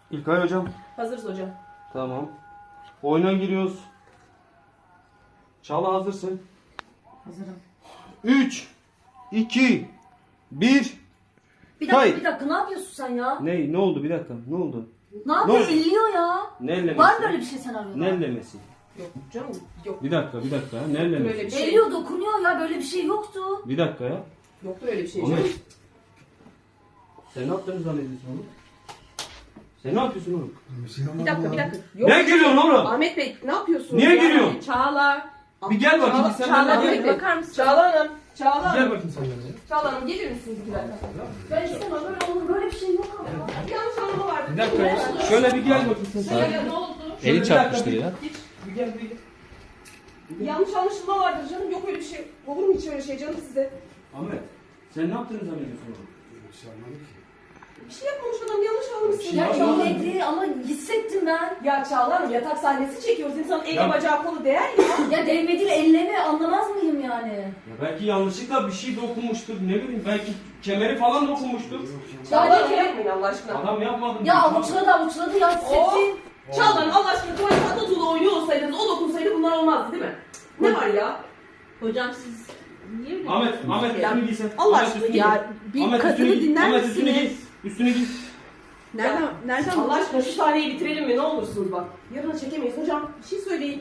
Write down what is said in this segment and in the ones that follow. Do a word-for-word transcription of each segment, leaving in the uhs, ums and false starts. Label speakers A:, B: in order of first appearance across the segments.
A: İlkay hocam.
B: Hazırız hocam.
A: Tamam. Oyuna giriyoruz. Çağla hazırsın.
C: Hazırım.
A: üç, iki, bir.
C: Bir dakika
A: Hayır.
C: bir dakika ne yapıyorsun sen ya?
A: Ne? Ne oldu? Bir dakika. Ne oldu?
C: Ne yapıyorsun?
A: oldu?
C: Elliyor ya.
A: Ne ellemesi?
C: Var mı böyle bir şey senaryoda?
A: Ne ellemesi?
B: Yok canım yok.
A: Bir dakika, bir dakika. Ne ellemesi?
B: Böyle bir şey.
C: Elliyor dokunuyor ya böyle bir şey yoktu.
A: Bir dakika ya.
B: Yoktu öyle bir şey.
A: Ahmet.
B: canım.
A: Sen ne yaptığını zannediyorsun oğlum? Sen ne yapıyorsun oğlum?
B: Bir dakika bir dakika. Yok.
A: Ne gülüyorsun oğlum?
B: Ahmet Bey ne yapıyorsunuz?
A: Niye
B: ya?
A: gülüyorsun?
B: Çağla.
A: Bir gel bakayım.
B: Çağla,
A: Sen
B: Çağla
A: benimle
B: Ahmet
A: gel.
B: Bey bakar mısın? Çağla Hanım. Çağla
A: Gel
B: Hanım.
A: bakayım sen benimle.
B: Çağla Hanım gelir misiniz iki dakika?
C: Ben istemem böyle olur böyle bir şey yok ama.
B: Bir yanlış anlama vardı.
A: Bir dakika ya. Şöyle bir gel bakayım sen.
B: Ya, ne oldu?
A: Şöyle
D: Eli
A: bir
D: çarpmıştır
A: dakika,
D: ya.
A: Bir gel bir gel.
B: Yanlış anlaşılma vardır canım. Yok öyle bir şey. Olur mu hiç öyle şey canım size?
A: Ahmet. Sen ne yaptığını zannediyorsun oğlum?
B: Bir şey yapmamış adam yanlış anlamışsın.
A: şey
C: Ya
A: yapmadım.
C: elledi ama hissettim ben.
B: Ya Çağla Hanım yatak sahnesi çekiyoruz. İnsanın eli
A: Ya-
B: bacağı kolu değer ya.
C: Ya değmediğiyle elleme anlamaz mıyım yani?
A: Ya belki yanlışlıkla bir şey dokunmuştur. Ne bileyim belki kemeri falan dokunmuştur.
B: Çağla Hanım yapmayın Allah aşkına.
A: Adam yapmadım.
C: Ya avuçladı avuçladı ya hissettim.
B: Çağla Hanım Allah aşkına tuvalet Atatürk'ü oynuyor olsaydınız o dokunsaydı bunlar olmazdı değil mi? Ne var ya?
E: Hocam siz niye öyle?
A: Ahmet, Ahmet
B: Ya,
A: üstünü giysen.
B: Allah
A: Ahmet,
B: aşkına
A: üstünü
E: Ya
A: giy.
E: bir
A: Ahmet,
E: kadını
A: üstünü giy.
E: dinler
A: Ahmet üstünü giy.
E: misiniz?
A: Üstünü giy.
E: Nereden
B: Ya,
E: nereden
B: Allah aşkına şu sahneyi bitirelim mi ne olursunuz bak. Yarına çekemeyiz hocam. Bir şey söyleyin.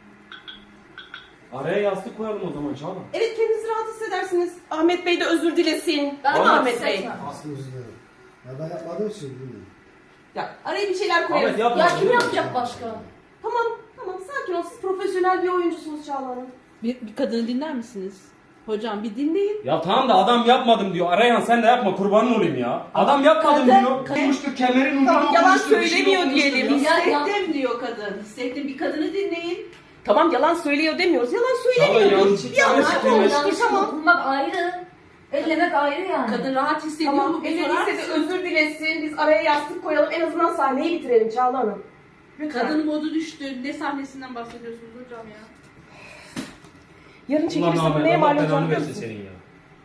A: Araya yastık koyalım o zaman Çağla.
B: Evet kendinizi rahat hissedersiniz. Ahmet Bey de özür dilesin.
C: Ben
B: Değil mi
C: rahat
B: Ahmet Bey?
C: hissetmem.
F: Aslında özür dilerim. Ya ben yapmadığım için bilmiyorum.
B: Ya araya bir şeyler koyalım.
A: Ahmet yapma.
C: Ya kim yapacak başka?
B: Tamam tamam sakin ol. Siz profesyonel bir oyuncusunuz Çağla Hanım.
E: bir, bir kadını dinler misiniz? Hocam bir dinleyin.
A: Ya tamam da adam yapmadım diyor. Arayan sen de yapma kurbanın olayım ya. Adam yapmadım
E: Kadın-
A: diyor. Dokunmuştur kemerin ucunu
B: Tamam, yalan
A: dokunmuştur, bir şey
B: söylemiyor
A: dokunmuştur
B: diyelim.
A: ya.
C: Ya, ya.
E: Hissettim diyor kadın. Hissettim, bir kadını dinleyin.
B: Tamam yalan söylüyor demiyoruz. Yalan
A: Çağla
B: söylemiyor.
A: yanlış.
B: Bir
A: Yanlış
B: yanlış
C: Yanlış
B: olmuş.
C: yanlış
B: Tamam.
C: dokunmak ayrı. Ellemek ayrı yani.
E: Kadın rahat hissediyor
B: Tamam.
E: mu? Bir
B: Ellerinize
E: sorar
B: de
E: mısın?
B: özür dilesin. Biz araya yastık koyalım. En azından sahneyi bitirelim Çağla Hanım. Lütfen.
E: Kadın modu düştü. Ne sahnesinden bahsediyorsunuz hocam ya?
B: Yarın
A: Ulan
B: çekilirse
A: Ahmet
B: neye
A: Allah
B: mal
A: belanı
B: olacağını biliyor
A: versin
B: musunuz?
A: senin ya.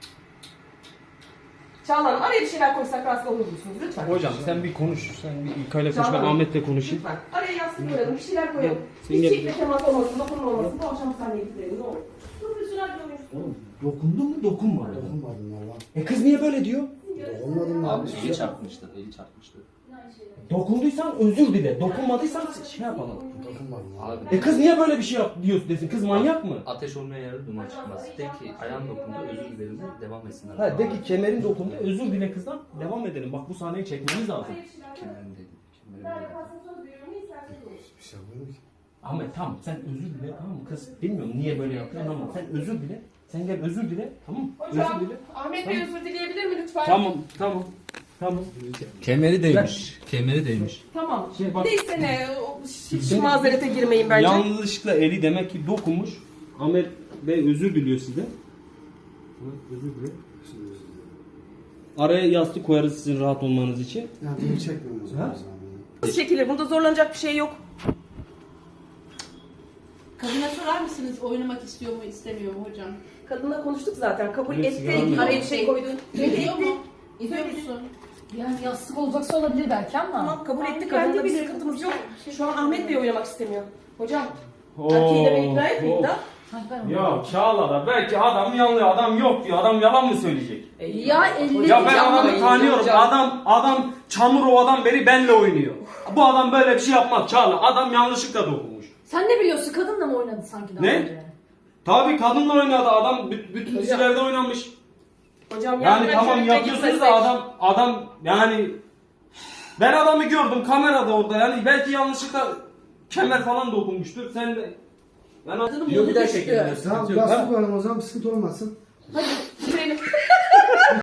B: Çağla Hanım araya bir şeyler koysak rahatsız olur musunuz? Lütfen.
A: Hocam sen bir konuş. Sen bir İlkay'la konuş. Ben
B: Tamam.
A: Ahmet'le konuşayım.
B: Lütfen. Araya yastık koyalım. Bir şeyler koyalım.
A: Sen
B: Hiç
A: gel.
B: çekme temas olmasın, dokunma olmasın. Bu akşam sahneyi bitirelim. Ne olur. Profesyonel bir oyuncusunuz.
A: Oğlum dokundun mu dokunmadın.
F: Dokunmadım valla.
A: E kız niye böyle diyor?
F: Dokunmadım
D: Abi
F: abi.
D: eli çarpmıştır, eli çarpmıştır.
A: Dokunduysan özür dile. Dokunmadıysan şey yapalım.
F: Dokunmadım
D: Abi
F: abi.
A: E kız niye böyle bir şey yap diyorsun desin. Kız manyak mı?
D: ateş olmayan yerde duman çıkmaz. De ki ayağın dokundu, özür dilerim de devam etsinler.
A: Ha de ki kemerin dokundu. Özür dile kızdan. Devam edelim. Bak bu sahneyi çekmemiz lazım.
D: Kemerim dedim, kemerim dedim.
F: Bir şey yapmıyorum ki.
A: Ahmet tamam sen özür dile tamam mı? Kız bilmiyorum niye böyle yapıyorsun ama sen özür dile. Sen gel özür dile tamam mı?
B: Hocam,
A: Özür dile.
B: Ahmet Bey özür dileyebilir mi lütfen?
A: Tamam tamam. Tamam.
D: Kemeri değmiş, kemeri değmiş.
B: Tamam.
A: Şey bak-
B: Neyse ne, o- hiç
A: Şimdi-
B: mazerete girmeyin bence.
A: Yanlışlıkla eli demek ki dokunmuş. Ahmet Bey özür diliyor size. Ahmet özür dile.
F: Şimdi özür dilerim.
A: Araya yastık koyarız sizin rahat olmanız için.
F: Ya bunu çekmiyorum o zaman.
A: Ha?
F: o zaman.
B: Nasıl çekilir? Bunda zorlanacak bir şey yok.
E: Kadına sorar mısınız oynamak istiyor mu, istemiyor mu hocam?
B: Kadınla konuştuk zaten. Kabul
A: Hepsi
B: etti.
A: yalan
B: Araya
A: ya.
B: bir şey koydun.
E: İstiyor
B: Etti.
E: mu? İstiyor musun?
C: Yani yastık olacaksa olabilir belki ama.
B: Tamam kabul etti.
E: Kendi
B: Kadınla bir
E: bilir.
B: sıkıntımız yok. Şu an Ahmet Bey oynamak istemiyor. Hocam
A: Oo,
B: erkeği de ben ikna etmeyeyim
A: oo.
B: da.
C: Sanki ben onu-
A: Ya Çağla da belki adam yanlıyor, adam yok diyor, adam yalan mı söyleyecek?
C: Ya elleri
A: Ya ben adamı
B: Yapmayın
A: tanıyorum,
B: hocam.
A: adam adam Çamurova'dan beri benle oynuyor. Bu adam böyle bir şey yapmaz Çağla, adam yanlışlıkla dokunmuş.
C: Sen ne biliyorsun kadınla mı oynadı sanki daha
A: Ne?
C: önce?
A: Tabii kadınla oynadı adam, bü- bütün dizilerde oynamış.
B: Hocam
A: Yani
B: yarın
A: tamam
B: erkekle
A: yapıyorsunuz
B: gitmesek.
A: da adam adam yani ben adamı gördüm kamerada orada yani belki yanlışlıkla kemer falan dokunmuştur. Sen de yani
E: Kadının
D: Diyor
E: modu
D: bir daha
E: düştü.
D: çekelim.
F: Tamam
A: Sıkıntı yok,
F: yastık
A: ha?
F: koyalım o zaman bir sıkıntı olmasın.
B: Hadi bitirelim